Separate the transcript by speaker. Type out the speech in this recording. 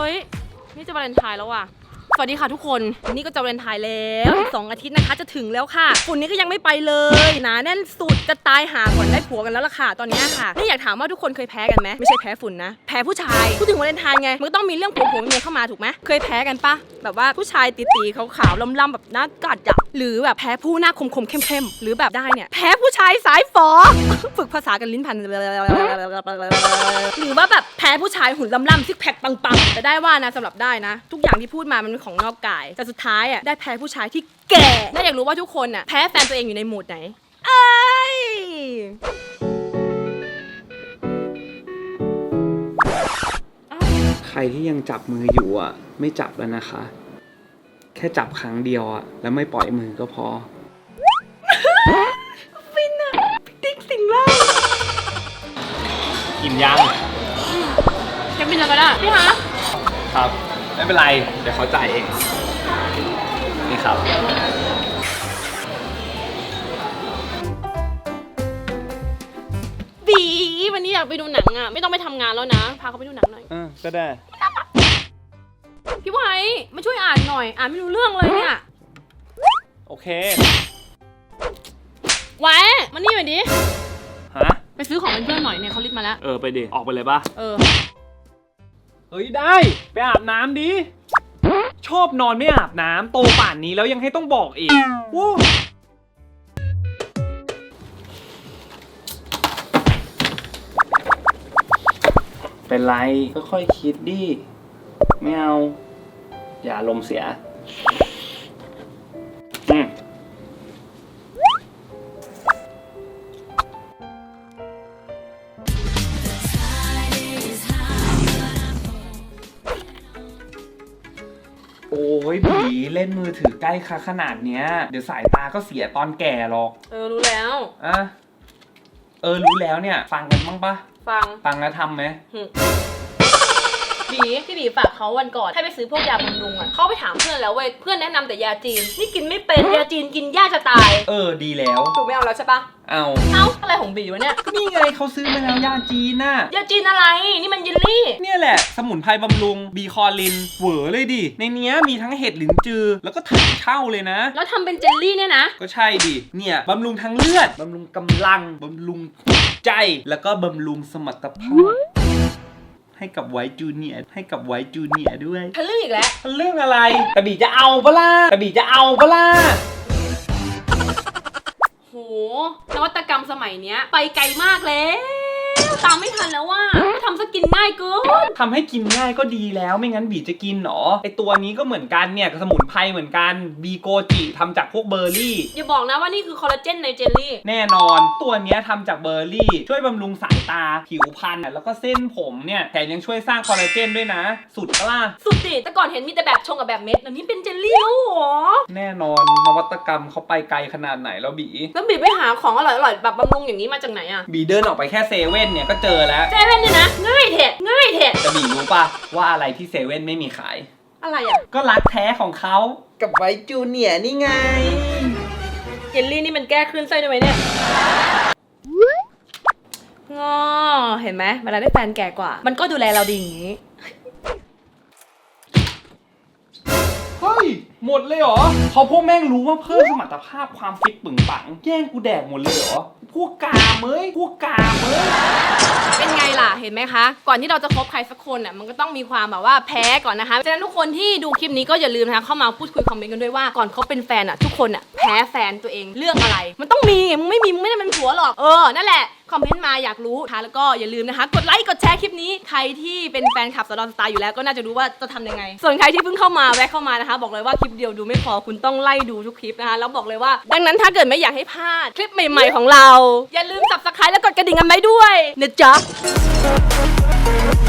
Speaker 1: ฮ้ยนี่จะวาเลนไทน์แล้วว่ะสวัสดีค่ะทุกคนนี่ก็จะวาเลนไทน์แล้วอีก2 อาทิตย์นะคะจะถึงแล้วค่ะฝุ่นนี้ก็ยังไม่ไปเลยหนาแน่นสุดจะตายหาก่อนได้ผัวกันแล้วล่ะค่ะตอนนี้ค่ะนี่อยากถามว่าทุกคนเคยแพ้กันไหมไม่ใช่แพ้ฝุ่นนะแพ้ผู้ชายพูดถึงวาเลนไทน์ไงมันก็ต้องมีเรื่องผัวเมียเข้ามาถูกไหมเคยแพ้กันปะแบบว่าผู้ชายตีๆขาวๆล่ำๆแบบหน้ากัดอะหรือแบบแพ้ผู้หน้าคมๆเข้มๆหรือแบบได้เนี่ยแพ้ผู้ชายสายฝอ ฝึกภาษากันลิ้นพันหรือว่าแบบแพ้ผู้ชายหุ่นล่ำๆซิกแพคปังๆแต่ได้ว่านะสำหรับได้นะทุกอย่างที่พูดมามันเป็นของนอกกายแต่สุดท้ายอ่ะได้แพ้ผู้ชายที่แก่น่าอยากรู้ว่าทุกคนอ่ะแพ้แฟนตัวเองอยู่ในโหมดไหนเอ้ย
Speaker 2: ใครที่ยังจับมืออยู่อ่ะไม่จับแล้วนะคะ แค่จับครั้งเดียวอ่ะแล้วไม่ปล่อยมือก็พอ
Speaker 1: ฟินอ่ะติ๊กสิ่งล่า
Speaker 2: กินยัง
Speaker 1: จะกินอะไรก็ได้พี่ฮะ
Speaker 2: ครับไม่เป็นไรเดี๋ยวเขาจ่ายเองนี่ครับ
Speaker 1: บีวันนี้อยากไปดูหนังอ่ะไม่ต้องไปทำงานแล้วนะพาเขาไปดูหนังหน่อย
Speaker 2: ก็ได้
Speaker 1: พี่ไว้มาช่วยอ่านหน่อยอ่านไม่รู้เรื่องเลยเนี่ย
Speaker 2: โอเค
Speaker 1: ไว้มานี่หน่อยดิ
Speaker 2: ฮะ
Speaker 1: ไปซื้อของเป็นเพื่อนหน่อยเนี่ยเขาลิสต์มาแล้ว
Speaker 2: ไปดิออกไปเลยป่ะเฮ้ยได้ไปอาบน้ำดิชอบนอนไม่อาบน้ำโตป่านนี้แล้วยังให้ต้องบอกอีกวู้เป็นไรค่อยๆคิดดิไม่เอาอย่าลมเสียโอ้ยบีเล่นมือถือใกล้ค่ะขนาดเนี้ยเดี๋ยวสายตาก็เสียตอนแก่หรอก
Speaker 1: รู้แล้ว
Speaker 2: รู้แล้วเนี่ยฟังกันบ้างปะฟังแล้วทำไหม
Speaker 1: พี่บีฝากเขาวันก่อนให้ไปซื้อพวกยาบำรุงอ่ะเขาไปถามเพื่อนแล้วเว้ยเพื่อนแนะนำแต่ยาจีนนี่กินไม่เป็นยาจีนกินยากจะตาย
Speaker 2: ดีแล้ว
Speaker 1: ถูกไม่เอาแล้วใช่ปะ
Speaker 2: เอา
Speaker 1: อะไรของบีวะเนี่ย
Speaker 2: นี่ไงเขาซื้อมาแล้วยาจีนน่ะ
Speaker 1: ยาจีนอะไรนี่มันเยลลี่
Speaker 2: เนี่ยแหละสมุนไพรบำรุงบีคอลินเหวอเลยดิในเนี้ยมีทั้งเห็ดหลินจือแล้วก็ถังเช่าเลยนะ
Speaker 1: แล้วทำเป็นเจลลี่เนี่ยนะ
Speaker 2: ก็ใช่ดิเนี่ยบำรุงทั้งเลือดบำรุงกำลังบำรุงใจแล้วก็บำรุงสมรรถภาพให้กับไวท์จูเนียร์ด้วย
Speaker 1: ทะลึ่งอีกแล้ว
Speaker 2: ทะลึ่งอะไรแต่บีจะเอาปะล่ะ
Speaker 1: โหนวัตกรรมสมัยเนี้ยไปไกลมากแล้วตามไม่ทันแล้วว่าทำซะกินง่ายเกิน
Speaker 2: ทำให้กินง่ายก็ดีแล้วไม่งั้นบีจะกินหรอไอตัวนี้ก็เหมือนกันเนี่ยสมุนไพรเหมือนกันบีโกจิทำจากพวกเบอร์รี่
Speaker 1: อย่าบอกนะว่านี่คือคอลลาเจนในเจลลี่
Speaker 2: แน่นอนตัวนี้ทำจากเบอร์รี่ช่วยบำรุงสายตาผิวพรรณแล้วก็เส้นผมเนี่ยแถมยังช่วยสร้างคอลลาเจนด้วยนะสุดกล้า
Speaker 1: สุดดิแต่ก่อนเห็นมีแต่แบบชงกับแบบเม็ดแล้วนี่เป็นเจลลี่แล้วหรอ
Speaker 2: แน่นอนนวัตกรรมเขาไปไกลขนาดไหนแล้วบี
Speaker 1: ไปหาของอร่อยๆแบบบำรุงอย่างนี้มาจากไหนอะ
Speaker 2: บีเดินออกไปแค่เซเว่นเนี่ยก็เจอแล้ว
Speaker 1: เซเว่นเนี่ยนะง่ายเถอะ
Speaker 2: แต่บีรู้ป่ะว่าอะไรที่เซเว่นไม่มีขาย
Speaker 1: อะไรอ่ะ
Speaker 2: ก็รักแท้ของเขากับไวท์จูเนียร์นี่ไง
Speaker 1: เจลลี่นี่มันแก้คลื่นไส้ได้ไหมเนี่ยเห็นไหมเวลาได้แฟนแก่กว่ามันก็ดูแลเราดีอย่างนี้
Speaker 2: เฮ้ยหมดเลยเหรอพอพวกแม่งรู้ว่าเพิ่มสมรรถภาพความฟิตปึงปังแย่งกูแดกหมดเลยเหรอพวกกาเมย
Speaker 1: เป็นไงล่ะเห็นไหมคะก่อนที่เราจะคบใครสักคนอ่ะมันก็ต้องมีความแบบว่าแพ้ก่อนนะคะฉะนั้นทุกคนที่ดูคลิปนี้ก็อย่าลืมนะคะเข้ามาพูดคุยคอมเมนต์กันด้วยว่าก่อนคบเป็นแฟนอ่ะทุกคนอ่ะแพ้แฟนตัวเองเรื่องอะไรมันต้องมีมึงไม่มีมึงไม่ได้เป็นผัวหรอกนั่นแหละคอมเมนต์มาอยากรู้นะคะแล้วก็อย่าลืมนะคะกดไลค์กดแชร์คลิปนี้ใครที่เป็นแฟนคลับสตาร์สไตล์อยู่แล้วก็น่าจะรู้ว่าจะทำยังไงส่วนใครที่เพิ่งเข้ามาแวะเข้ามานะคะบอกเลยว่าคลิปเดียวดูไม่พอคุณต้องไล่ดูทุกคลิปนะคะแล้วบอกเลยว่าดังนั้นถ้าเกิดไม่อยากให้พลาดคลิปใหม่ๆของเราอย่าลืม Subscribe แล้วกดกระดิ่งกันไว้ด้วยนะจ๊ะ